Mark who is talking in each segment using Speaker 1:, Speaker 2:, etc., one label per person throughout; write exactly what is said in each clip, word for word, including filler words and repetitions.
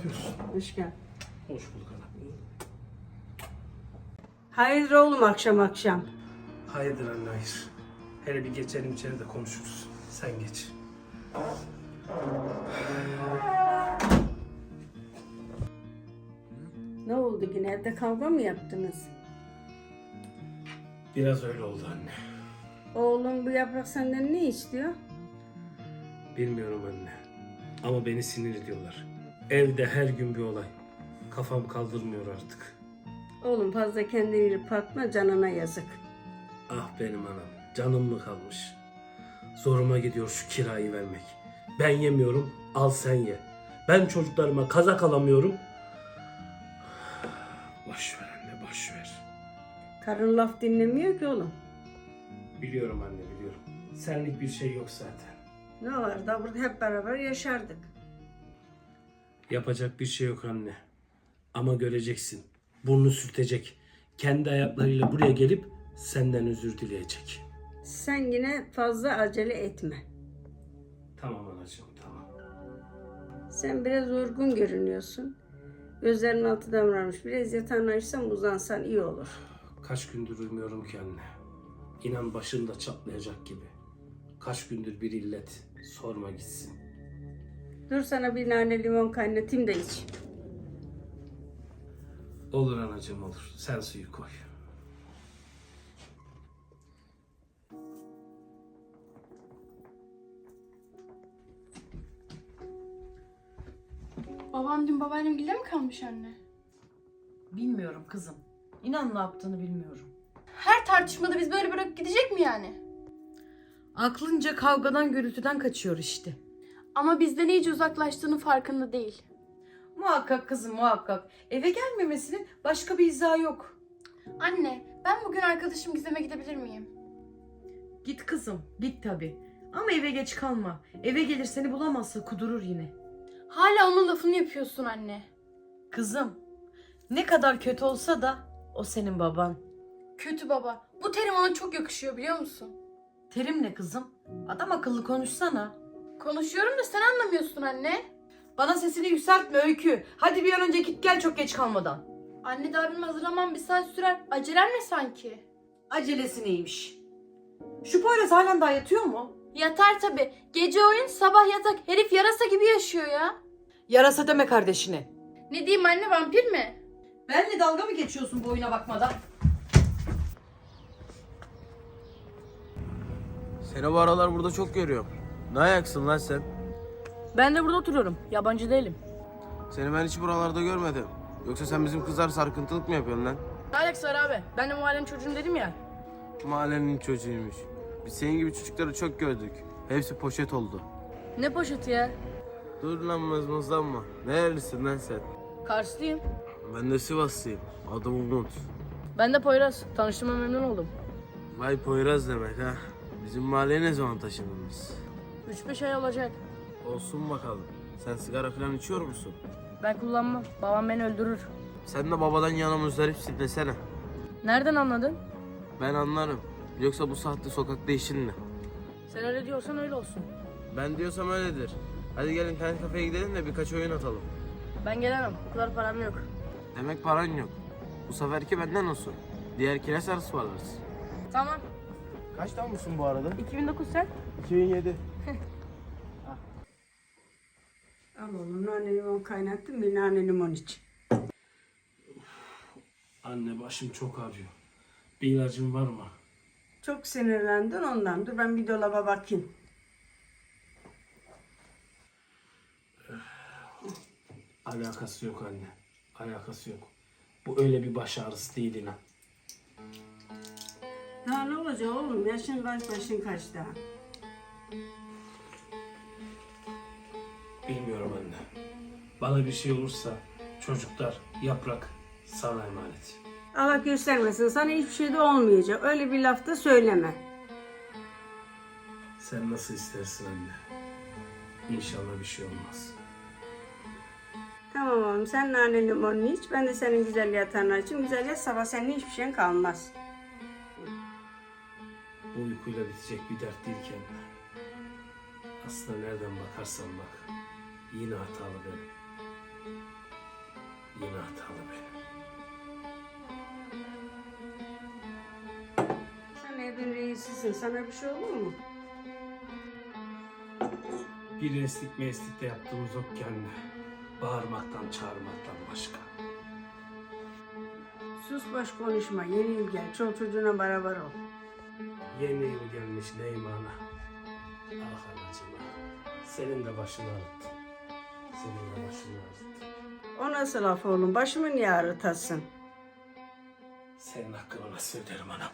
Speaker 1: yapıyorsun?
Speaker 2: Hoş geldin.
Speaker 1: Hoş bulduk ana.
Speaker 2: Hayırdır oğlum akşam akşam?
Speaker 1: Hayırdır anne, hayır. Hele bir geçelim içeri de konuşuruz. Sen geç.
Speaker 2: Ne oldu yine, evde kavga mı yaptınız?
Speaker 1: Biraz öyle oldu anne.
Speaker 2: Oğlum bu yaprak senden ne istiyor?
Speaker 1: Bilmiyorum anne. Ama beni sinir ediyorlar. Evde her gün bir olay. Kafam kaldırmıyor artık.
Speaker 2: Oğlum fazla kendini yıpratma, canına yazık.
Speaker 1: Ah benim anam. Canım mı kalmış? Zoruma gidiyor şu kirayı vermek. Ben yemiyorum, al sen ye. Ben çocuklarıma kazak alamıyorum. Boş ver anne, boş ver.
Speaker 2: Karın laf dinlemiyor ki oğlum.
Speaker 1: Biliyorum anne, biliyorum. Senlik bir şey yok zaten.
Speaker 2: Ne var da burada hep beraber yaşardık.
Speaker 1: Yapacak bir şey yok anne. Ama göreceksin. Burnu sürtecek. Kendi ayaklarıyla buraya gelip senden özür dileyecek.
Speaker 2: Sen yine fazla acele etme.
Speaker 1: Tamam anacığım, tamam.
Speaker 2: Sen biraz yorgun görünüyorsun. Gözlerinin altı davranmış. Biraz yatağını açsan uzansan iyi olur.
Speaker 1: Kaç gündür uyumuyorum ki anne. İnan başım da çatlayacak gibi. Kaç gündür bir illet. Sorma gitsin.
Speaker 2: Dur sana bir nane limon kaynatayım da iç.
Speaker 1: Olur anacığım, olur. Sen suyu koy.
Speaker 3: Babam dün babaannemgilde mi kalmış anne?
Speaker 4: Bilmiyorum kızım. İnan ne yaptığını bilmiyorum.
Speaker 3: Her tartışmada biz böyle bırakıp gidecek mi yani?
Speaker 4: Aklınca kavgadan gürültüden kaçıyor işte.
Speaker 3: Ama bizden iyice uzaklaştığının farkında değil.
Speaker 4: Muhakkak kızım muhakkak. Eve gelmemesinin başka bir izahı yok.
Speaker 3: Anne, ben bugün arkadaşım Gizem'e gidebilir miyim?
Speaker 4: Git kızım git tabii. Ama eve geç kalma. Eve gelir seni bulamazsa kudurur yine.
Speaker 3: Hala onun lafını yapıyorsun anne.
Speaker 4: Kızım ne kadar kötü olsa da o senin baban.
Speaker 3: Kötü baba. Bu terim ona çok yakışıyor biliyor musun?
Speaker 4: Terim ne kızım? Adam akıllı konuşsana.
Speaker 3: Konuşuyorum da sen anlamıyorsun anne.
Speaker 4: Bana sesini yükseltme Öykü. Hadi bir an önce git gel çok geç kalmadan.
Speaker 3: Anne daha benim hazırlamam bir saat sürer. Acelem ne sanki?
Speaker 4: Acelesi neymiş? Şu Poyraz halen daha yatıyor mu?
Speaker 3: Yatar tabi. Gece oyun sabah yatak. Herif yarasa gibi yaşıyor ya.
Speaker 4: Yarasa deme kardeşine.
Speaker 3: Ne diyeyim anne, vampir mi?
Speaker 4: Benle dalga mı geçiyorsun bu oyuna bakmadan?
Speaker 5: Seni bu aralar burada çok görüyorum. Ne ayaksın lan sen?
Speaker 4: Ben de burada oturuyorum. Yabancı değilim.
Speaker 5: Seni ben hiç buralarda görmedim. Yoksa sen bizim kızlar sarkıntılık mı yapıyorsun lan?
Speaker 4: Ne alakası var abi? Ben de mahallenin çocuğum dedim ya.
Speaker 5: Mahallenin çocuğuymuş. Biz senin gibi çocukları çok gördük. Hepsi poşet oldu.
Speaker 4: Ne poşeti ya?
Speaker 5: Dur lan mızmızlanma. Nerelisin lan sen?
Speaker 4: Karslıyım.
Speaker 5: Ben de Sivaslıyım. Adım Umut.
Speaker 4: Ben de Poyraz. Tanıştığıma memnun oldum.
Speaker 5: Vay Poyraz demek ha. Bizim mahalleye ne zaman taşındınız?
Speaker 4: üç beş ay olacak.
Speaker 5: Olsun bakalım. Sen sigara falan içiyor musun?
Speaker 4: Ben kullanmam. Babam beni öldürür.
Speaker 5: Sen de babadan yana muzdaripsin desene.
Speaker 4: Nereden anladın?
Speaker 5: Ben anlarım. Yoksa bu saatte sokakta işin ne?
Speaker 4: Sen öyle diyorsan öyle olsun.
Speaker 5: Ben diyorsam öyledir. Hadi gelin internet kafeye gidelim de birkaç oyun atalım.
Speaker 4: Ben gelemem. O kadar param yok.
Speaker 5: Demek paran yok. Bu seferki benden olsun. Diğerkine sen ısmarlarız.
Speaker 4: Tamam.
Speaker 5: Kaçtan mısın bu arada?
Speaker 4: iki bin dokuz sen?
Speaker 5: iki bin yedi.
Speaker 2: Al oğlum nane limon kaynattım, bir nane limon iç.
Speaker 1: Anne başım çok ağrıyor. Bir ilacın var mı?
Speaker 2: Çok sinirlendin ondan. Dur ben bir dolaba bakayım.
Speaker 1: Alakası yok anne. Alakası yok. Bu öyle bir baş ağrısı değil inan.
Speaker 2: Daha ne olacak oğlum? Yaşın kaç, başın kaç daha?
Speaker 1: Bilmiyorum anne. Bana bir şey olursa çocuklar, yaprak sana emanet.
Speaker 2: Allah göstermesin, sana hiçbir şey de olmayacak. Öyle bir laf da söyleme.
Speaker 1: Sen nasıl istersin anne. İnşallah bir şey olmaz.
Speaker 2: Tamam oğlum, sen nane limonunu iç. Ben de senin güzel yatağını açayım. Güzel yat, sabah senin hiçbir şeyin kalmaz.
Speaker 1: Bu uykuyla bitecek bir dert değil ki anne. Aslında nereden bakarsan bak. Yine hatalı benim. Yine hatalı benim.
Speaker 2: Sen evin reisisin. Sana bir şey olur mu?
Speaker 1: Bir eslik meslik de yaptığımız yok kendine. Bağırmaktan, çağırmaktan başka.
Speaker 2: Sus boş konuşma. Yeni yıl gel. Çol çocuğuna beraber ol.
Speaker 1: Yeni yıl gelmiş Neymana. Ah anacığım ah. Senin de başını ağrıttı. Senin de başını ağrıttı.
Speaker 2: O nasıl laf oğlum? Başımı niye ağrıtasın?
Speaker 1: Senin hakkını nasıl öderim anam?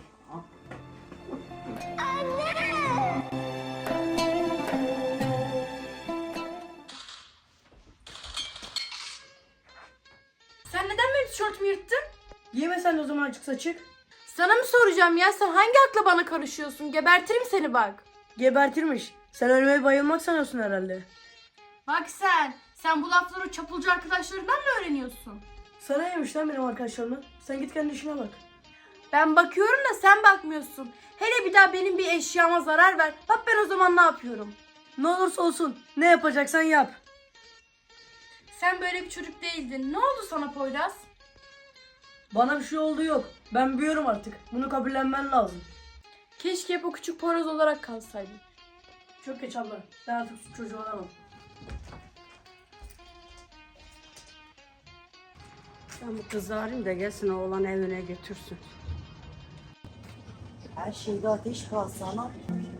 Speaker 3: Sen neden benim tişörtümü yırttın?
Speaker 4: Giyme sen de o zaman açık saçık.
Speaker 3: Sana mı soracağım ya? Sen hangi akla bana karışıyorsun? Gebertirim seni bak.
Speaker 4: Gebertirmiş. Sen ölmeye bayılmak sanıyorsun herhalde.
Speaker 3: Bak sen. Sen bu lafları çapulcu arkadaşlarından mı öğreniyorsun?
Speaker 4: Sana neymiş lan benim arkadaşlarımla? Sen git kendi işine bak.
Speaker 3: Ben bakıyorum da sen bakmıyorsun. Hele bir daha benim bir eşyama zarar ver. Bak ben o zaman ne yapıyorum?
Speaker 4: Ne olursa olsun ne yapacaksan yap.
Speaker 3: Sen böyle bir çocuk değildin. Ne oldu sana Poyraz?
Speaker 4: Bana bir şey oldu yok. Ben büyüyorum artık. Bunu kabullenmen lazım.
Speaker 3: Keşke hep o küçük Poyraz olarak kalsaydın.
Speaker 4: Çok geç abla. Ben artık çocuğu olamam.
Speaker 2: Ben bu kızı arayayım da gelsin oğlan evine götürsün.
Speaker 6: Her şeyde ateş kalsa ana.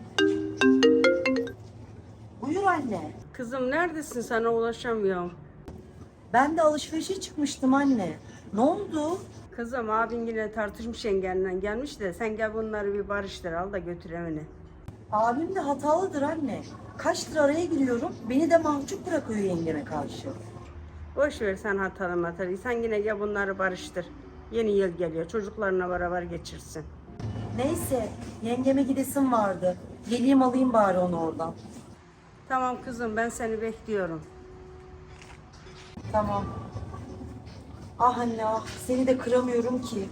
Speaker 6: Buyur anne.
Speaker 2: Kızım neredesin? Sana ulaşamıyorum.
Speaker 6: Ben de alışverişe çıkmıştım anne. Ne oldu?
Speaker 2: Kızım abin yine tartışmış yengenle gelmiş de sen gel bunları bir barıştır al da götür evine.
Speaker 6: Abim de hatalıdır anne. Kaçtır araya giriyorum. Beni de mahcup bırakıyor yengeme karşı.
Speaker 2: Boş ver sen hatalı matarıyı. Sen yine gel bunları barıştır. Yeni yıl geliyor. Çocuklarına beraber geçirsin.
Speaker 6: Neyse yengeme gidesim vardı. Geleyim alayım bari onu oradan.
Speaker 2: Tamam kızım ben seni bekliyorum.
Speaker 6: Tamam. Ah anne ah seni de kıramıyorum ki.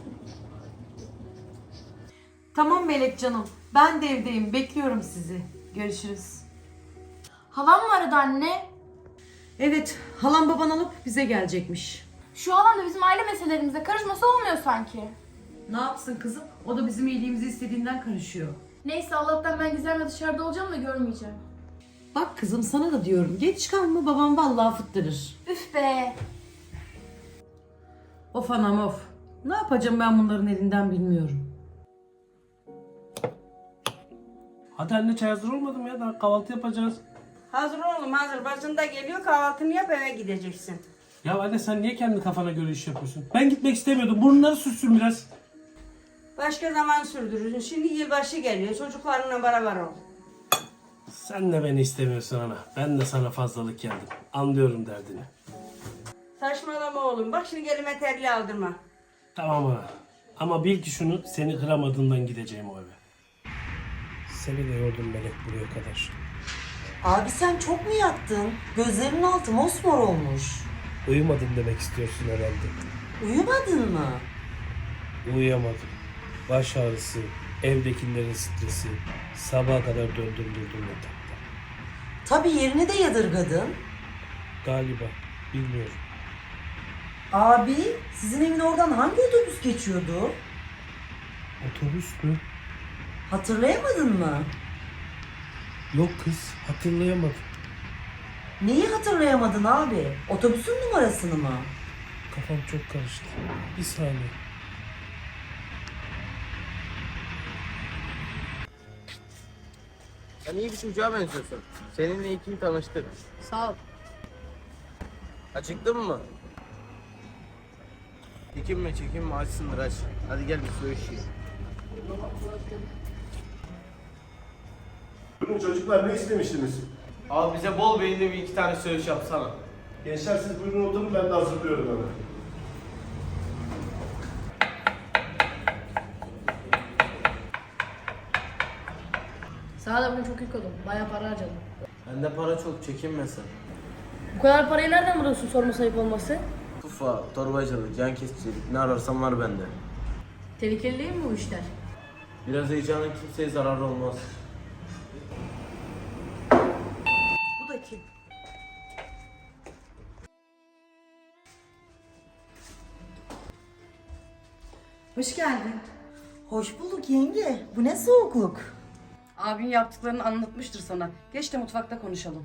Speaker 4: Tamam Melek canım. Ben de evdeyim. Bekliyorum sizi. Görüşürüz.
Speaker 3: Halam mı aradı anne?
Speaker 4: Evet. Halam baban alıp bize gelecekmiş.
Speaker 3: Şu halam da bizim aile meselelerimize karışması olmuyor sanki.
Speaker 4: Ne yapsın kızım? O da bizim iyiliğimizi istediğinden karışıyor.
Speaker 3: Neyse Allah'tan ben Gizem'le dışarıda olacağım da görmeyeceğim.
Speaker 4: Bak kızım sana da diyorum. Geç kalma babam vallahi fıttırır.
Speaker 3: Üf be.
Speaker 4: Of anam of. Ne yapacağım ben bunların elinden bilmiyorum.
Speaker 1: Hadi anne çay hazır olmadı mı ya? Daha kahvaltı yapacağız.
Speaker 2: Hazır oğlum hazır. Bacın da geliyor kahvaltını yap eve gideceksin.
Speaker 1: Ya anne sen niye kendi kafana göre iş yapıyorsun? Ben gitmek istemiyordum. Burnları sürsün biraz.
Speaker 2: Başka zaman sürdürürsün. Şimdi yılbaşı geliyor. Çocuklarınla beraber ol.
Speaker 1: Sen de beni istemiyorsun ana. Ben de sana fazlalık geldim. Anlıyorum derdini.
Speaker 2: Saçmalama oğlum. Bak şimdi elime terli aldırma.
Speaker 1: Tamam ana. Ama bil ki şunu, seni kıramadığımdan gideceğim o eve. Seni de yordum Melek buraya kadar.
Speaker 6: Abi sen çok mu yattın? Gözlerinin altı mosmor olmuş.
Speaker 1: Uyumadın demek istiyorsun herhalde.
Speaker 6: Uyumadın mı?
Speaker 1: Uyuyamadım. Baş ağrısı, evdekilerin stresi. Sabaha kadar döndüm durdum yatakta.
Speaker 6: Tabii yerini de yadırgadın.
Speaker 1: Galiba. Bilmiyorum.
Speaker 6: Abi sizin evin oradan hangi otobüs geçiyordu?
Speaker 1: Otobüs mü?
Speaker 6: Hatırlayamadın mı?
Speaker 1: Yok kız. Hatırlayamadım.
Speaker 6: Neyi hatırlayamadın abi? Otobüsün numarasını mı?
Speaker 1: Kafam çok karıştı. Bir saniye.
Speaker 5: Sen iyi bir çocuğa benziyorsun. Seninle iyi ki tanıştık.
Speaker 4: Sağ ol.
Speaker 5: Acıktın mı? Çekinme çekinme açsındır aç. Hadi gel bir su içelim.
Speaker 7: Bugün çocuklar ne istemiştiniz?
Speaker 5: Abi bize bol beyinli bir iki tane söğüş yapsana.
Speaker 7: Gençler siz buyurun oturun ben de hazırlıyorum hemen.
Speaker 8: Sana da bugün çok yük oldum. Bayağı para harcadım.
Speaker 5: Bende para çok çekinme sen.
Speaker 8: Bu kadar parayı nereden buluyorsun sorma sayıp olması?
Speaker 5: Tufa, torbacılık, can kesicilik ne ararsan var bende.
Speaker 8: Tehlikeli değil mi bu işler?
Speaker 5: Biraz heyecanın kimseye zararı olmaz.
Speaker 6: Bu da kim?
Speaker 4: Hoş geldin.
Speaker 6: Hoş bulduk yenge. Bu ne soğukluk?
Speaker 4: Abin yaptıklarını anlatmıştır sana. Geç de mutfakta konuşalım.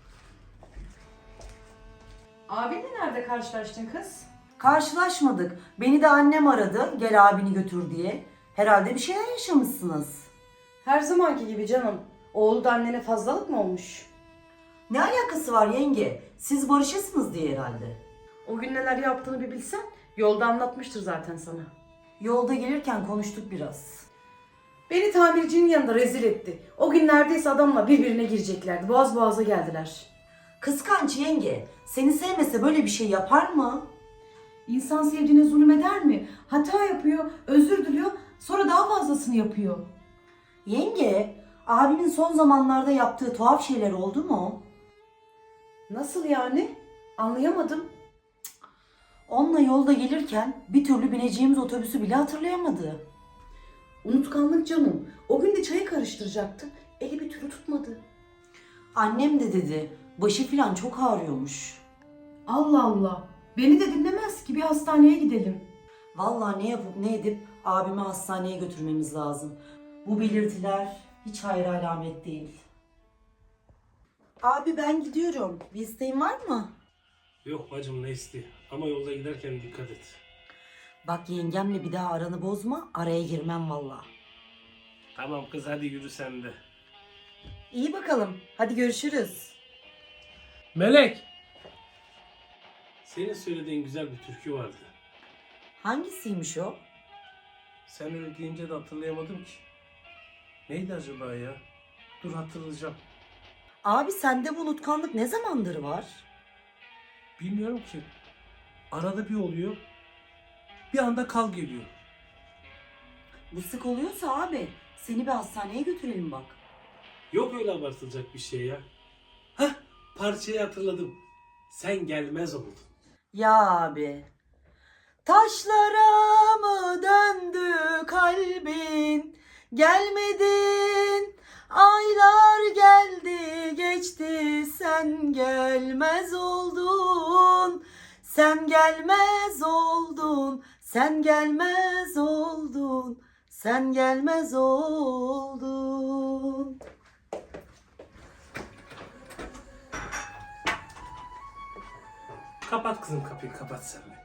Speaker 4: Abinle nerede karşılaştın kız?
Speaker 6: Karşılaşmadık. Beni de annem aradı. Gel abini götür diye. Herhalde bir şeyler yaşamışsınız.
Speaker 4: Her zamanki gibi canım. Oğlu da annene fazlalık mı olmuş?
Speaker 6: Ne alakası var yenge? Siz barışırsınız diye herhalde.
Speaker 4: O gün neler yaptığını bir bilsen yolda anlatmıştır zaten sana.
Speaker 6: Yolda gelirken konuştuk biraz.
Speaker 4: Beni tamircinin yanında rezil etti. O gün neredeyse adamla birbirine gireceklerdi. Boğaz boğaza geldiler.
Speaker 6: Kıskanç yenge. Seni sevmese böyle bir şey yapar mı?
Speaker 9: İnsan sevdiğine zulmeder mi? Hata yapıyor, özür diliyor, sonra daha fazlasını yapıyor.
Speaker 6: Yenge, abimin son zamanlarda yaptığı tuhaf şeyler oldu mu?
Speaker 4: Nasıl yani? Anlayamadım.
Speaker 6: Onunla yolda gelirken bir türlü bineceğimiz otobüsü bile hatırlayamadı.
Speaker 4: Unutkanlık canım. O gün de çayı karıştıracaktı. Eli bir türlü tutmadı.
Speaker 6: Annem de dedi, başı filan çok ağrıyormuş.
Speaker 9: Allah Allah. Beni de dinlemez ki, bir hastaneye gidelim.
Speaker 6: Vallahi ne yapıp ne edip abimi hastaneye götürmemiz lazım. Bu belirtiler hiç hayır alamet değil. Abi ben gidiyorum. Bir isteğin var mı?
Speaker 1: Yok bacım ne isteği. Ama yolda giderken dikkat et.
Speaker 6: Bak yengemle bir daha aranı bozma. Araya girmem vallahi.
Speaker 1: Tamam kız hadi yürü sen de.
Speaker 6: İyi bakalım. Hadi görüşürüz.
Speaker 1: Melek! Senin söylediğin güzel bir türkü vardı.
Speaker 6: Hangisiymiş o?
Speaker 1: Sen öyle deyince de hatırlayamadım ki. Neydi acaba ya? Dur hatırlayacağım.
Speaker 6: Abi sende bu unutkanlık ne zamandır var?
Speaker 1: Bilmiyorum ki. Arada bir oluyor. Bir anda kal geliyor.
Speaker 6: Bu sık oluyorsa abi seni bir hastaneye götürelim bak.
Speaker 1: Yok öyle abartılacak bir şey ya. Hah parçayı hatırladım. Sen gelmez oldun.
Speaker 6: Ya abi. Taşlara mı döndü kalbin? Gelmedin. Aylar geldi geçti sen gelmez oldun. Sen gelmez oldun. Sen gelmez oldun. Sen gelmez oldun.
Speaker 1: Kapat kızım kapıyı kapat sen de.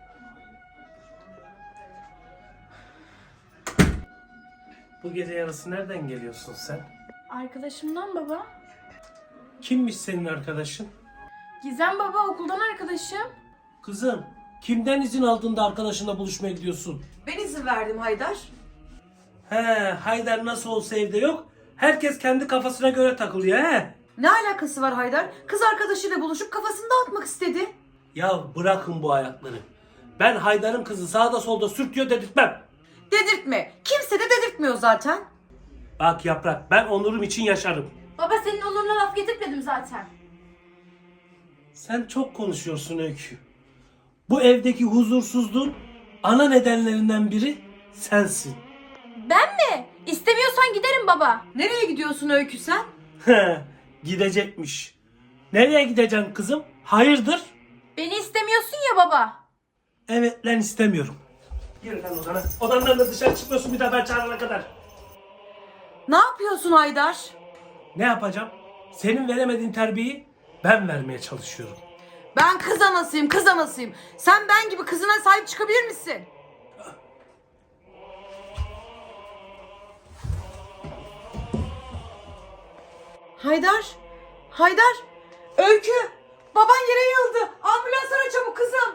Speaker 1: Bu gece yarısı nereden geliyorsun sen?
Speaker 3: Arkadaşımdan baba.
Speaker 1: Kimmiş senin arkadaşın?
Speaker 3: Gizem baba, okuldan arkadaşım.
Speaker 1: Kızım kimden izin aldığında arkadaşınla buluşmaya gidiyorsun?
Speaker 4: Ben izin verdim Haydar.
Speaker 1: He Haydar nasıl olsa evde yok. Herkes kendi kafasına göre takılıyor he.
Speaker 4: Ne alakası var Haydar? Kız arkadaşıyla buluşup kafasını dağıtmak istedi.
Speaker 1: Ya bırakın bu ayakları. Ben Haydar'ın kızı sağda solda sürtüyor dedirtmem.
Speaker 4: Dedirtme. Kimse de dedirtmiyor zaten.
Speaker 1: Bak Yaprak ben onurum için yaşarım.
Speaker 3: Baba senin oluruna laf getirmedim zaten.
Speaker 1: Sen çok konuşuyorsun Öykü. Bu evdeki huzursuzluğun ana nedenlerinden biri sensin.
Speaker 3: Ben mi? İstemiyorsan giderim baba.
Speaker 4: Nereye gidiyorsun Öykü sen?
Speaker 1: Gidecekmiş. Nereye gideceksin kızım? Hayırdır?
Speaker 3: Beni istemiyorsun ya baba.
Speaker 1: Evet lan istemiyorum. Yürü lan odana. Odandan da dışarı çıkmıyorsun bir daha ben çağırana kadar.
Speaker 4: Ne yapıyorsun Haydar?
Speaker 1: Ne yapacağım? Senin veremediğin terbiyeyi ben vermeye çalışıyorum.
Speaker 4: Ben kız anasıyım, kız anasıyım. Sen ben gibi kızına sahip çıkabilir misin? Haydar, Haydar, Öykü, baban yere yıldı. Ambulans ara çabuk kızım.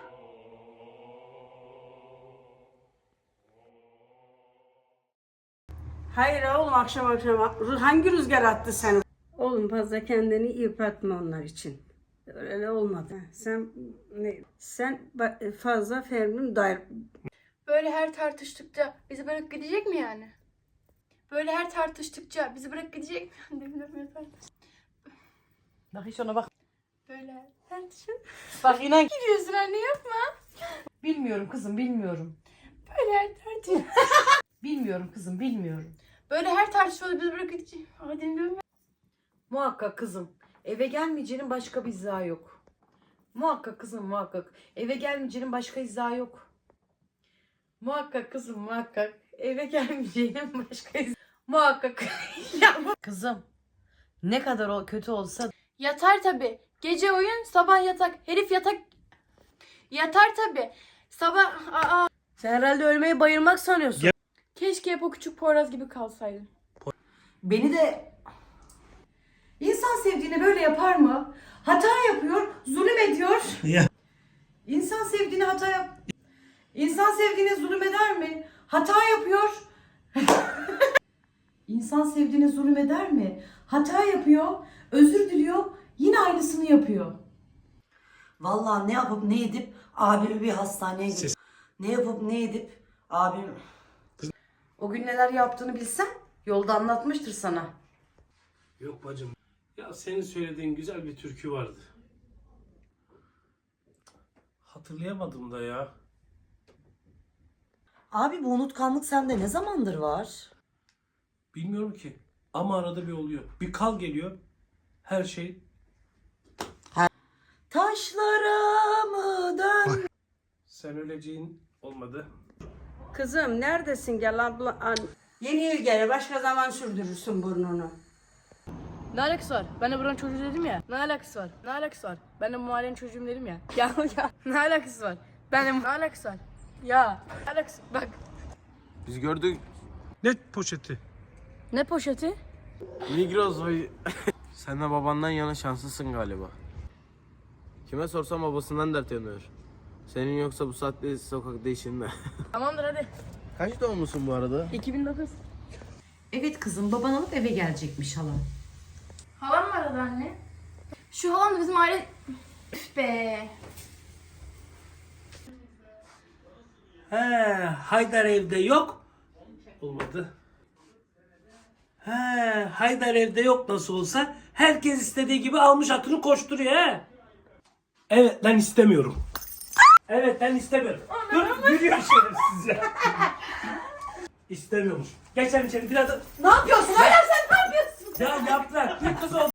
Speaker 2: Hayır oğlum akşam akşam hangi rüzgar attı seni? Oğlum fazla kendini yıpratma onlar için. Öyle olmadı. Sen ne? Sen ba- fazla Fermin dair.
Speaker 3: Böyle her tartıştıkça bizi bırakıp gidecek mi yani? Böyle her tartıştıkça bizi bırakıp gidecek mi? Bilmiyorum efendim.
Speaker 4: Bak hiç ona bak.
Speaker 3: Böyle her tartışın.
Speaker 4: Bak inan.
Speaker 3: Gidiyorsun anne yapma.
Speaker 4: Bilmiyorum kızım, bilmiyorum.
Speaker 3: Böyle her tartışın.
Speaker 4: Bilmiyorum kızım, bilmiyorum.
Speaker 3: Böyle her tartışmada bizi bırakıp gidecek. Hadi dinliyorum.
Speaker 4: Muhakkak kızım. Eve gelmeyeceğinin başka bir izahı yok. Muhakkak kızım muhakkak. Eve gelmeyeceğinin başka izahı yok. Muhakkak kızım muhakkak. Eve gelmeyeceğinin başka iz- Muhakkak. Ya bu- Kızım ne kadar o kötü olsa
Speaker 3: Yatar tabi. Gece oyun, sabah yatak. Herif yatak... Yatar tabi. Sabah... Aa,
Speaker 4: sen herhalde ölmeyi bayılmak sanıyorsun.
Speaker 3: keşke hep o küçük Poyraz gibi kalsaydın.
Speaker 6: Beni de
Speaker 9: İnsan sevdiğini böyle yapar mı? Hata yapıyor, zulüm ediyor.
Speaker 1: Ya.
Speaker 9: İnsan sevdiğini hata yap. İnsan sevdiğine zulüm eder mi? Hata yapıyor. İnsan sevdiğine zulüm eder mi? Hata yapıyor, özür diliyor, yine aynısını yapıyor.
Speaker 6: vallahi ne yapıp ne edip abimi bir hastaneye götür. Ne yapıp ne edip abim...
Speaker 4: O gün neler yaptığını bilsen yolda anlatmıştır sana.
Speaker 1: Yok bacım. Ya senin söylediğin güzel bir türkü vardı. Hatırlayamadım da ya.
Speaker 6: Abi bu unutkanlık sende ne zamandır var?
Speaker 1: Bilmiyorum ki. Ama arada bir oluyor. Bir kal geliyor. Her şey
Speaker 6: Taşlara mı dön?
Speaker 1: sen öleceğin olmadı.
Speaker 2: Kızım neredesin gel abla. An... Yeni yıl gele başka zaman sürdürürsün burnunu.
Speaker 8: Ne alakası var? Ben de buranın çocuğu dedim ya. Ne alakası var? Ne alakası var? Ben de bu mahallenin çocuğum dedim ya. Ya ya. Ne alakası var? Ben de ne alakası var? Ya. Ne alakası? Bak.
Speaker 5: Biz gördük
Speaker 1: Ne poşeti?
Speaker 8: Ne poşeti?
Speaker 5: Migros vay. Sen de babandan yana şanslısın galiba. Kime sorsam babasından dert yanıyor. Senin yoksa bu saatte sokakta işin ne?
Speaker 8: Tamamdır hadi.
Speaker 5: Kaç doğumlusun bu arada?
Speaker 8: iki bin dokuz.
Speaker 4: Evet kızım baban alıp eve gelecekmiş halam.
Speaker 3: Halam mı aradı anne? Şu halam da bizim aile... Üf be.
Speaker 1: He, Haydar evde yok. Olmadı. He, Haydar evde yok nasıl olsa. Herkes istediği gibi almış atını koşturuyor he. Evet ben istemiyorum. Evet ben istemiyorum. Dur gülüyor şerefsiz ya. İstemiyormuş. Geçelim içeri biraz da...
Speaker 9: Ne yapıyorsun? Hala sen ne yapıyorsun?
Speaker 1: Ya yaprak bir kız oldu.